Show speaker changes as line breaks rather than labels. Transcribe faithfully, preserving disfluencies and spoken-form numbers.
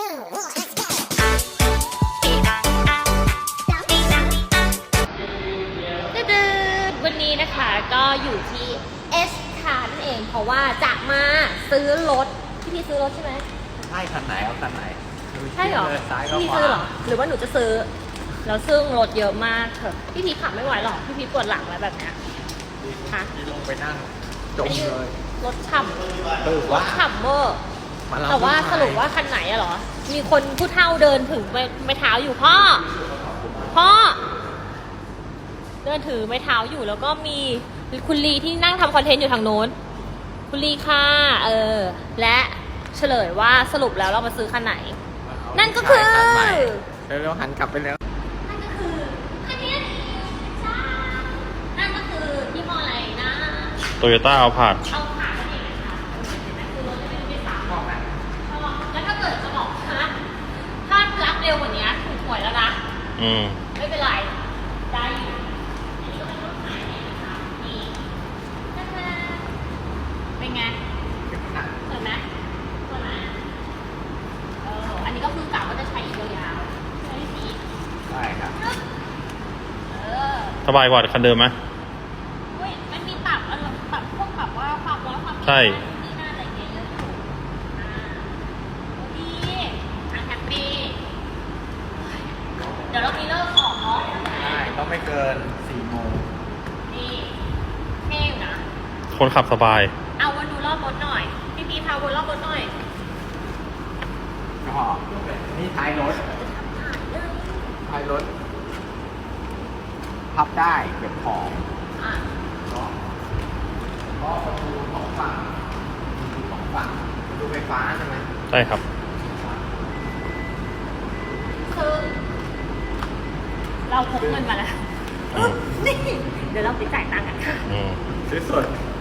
วันนี้นะคะก็อยู่ที่ S คาร์นั่นเองเพราะว่าจะมาซื้อรถพี่พี่ซื้อรถใช่ไหม
ใช่คันไหนเอาคันไหน
ใช่เหรอ
ซ้ายก็
พี่
ขวา
ซื้อเหรอหรือว่าหนูจะซื้อแล้วซึ่งรถเยอะมากเถอะพี่พีขับไม่ไหวหรอกพี่พีปวดหลังแล้วแบบเนี้ยฮะ
ที่ลงไปนั่งจมเลย
รถฉ่
เออ
ำร
ว่า
ถฉ่ำเวอร์
มารับ
แต่ว่า
ผู้ชย
สรุปว่าคันไหนอะเหรอมีคนผู้เฒ่าเดินถึงไม้ไม้เท้าอยู่พ่อพ่อเดินถือไม้เท้าอยู่แล้วก็มีคุณลีที่นั่งทำคอนเทนต์อยู่ทางโน้นคุณลีค่ะเออและเฉลยว่าสรุปแล้วเรามาซื้อคันไหน นั่นก็คือ
คันใหม่เร็วๆหันกลับไปแล้ว
นั่นก็คือคันนี้จ้านั่นก็คือยี่ห้ออะไรนะ
โตโยต้าเอาผาด
เอาผ่านนั่นเองนะคะเห็นไหมคือรถจะไม่ได้สามบอกนะแล้วถ้าเกิดจะบอกฮะถ้ารับเร็วกว่านี้ถูกหวยแล้วนะ
อืม
ไม่เป็นไร ได้อยู่อันนี้ก็เป็นรถขายเองนะคะนี่เป็นไงสวยไหมสวยไหมเอออันนี้ก็คือกะว่าจะใช้อีกยาวๆใช้สี
ใช่ครับ
เออ
สบายกว่าคันเดิมไหม
เฮ้ยมันมีปรับอารมณ์ปรับพวกแบบว่าความร้อนความ
ใช่
นี่น่าอะไรเงี้ยเยอะอยู่อ่าโอเคทางแฮปปี้เดี๋ยวเรามีเลิกออกเนาะ
ใช่ต้องไม่เกินสี่โมง
นี่เท่อยู่นะ
คนขับสบาย
เอาวนดูรอบรถหน่อย พี่พีพาวนรอบรถหน่อย
ก็นี่ท้ายรถท้ายรถพับได้เก็บของ
อ่ะ
ก็ก็ประตูสองฝั่งมีสองฝั่งประตูไฟฟ้าใช่ไหม
ใช่ครับ
คือเราพกเงินมาแล้ว
อืม
นี่เดี๋ยวเราไปจ่ายตังค์กันค่ะ
อืม
ซื้อสด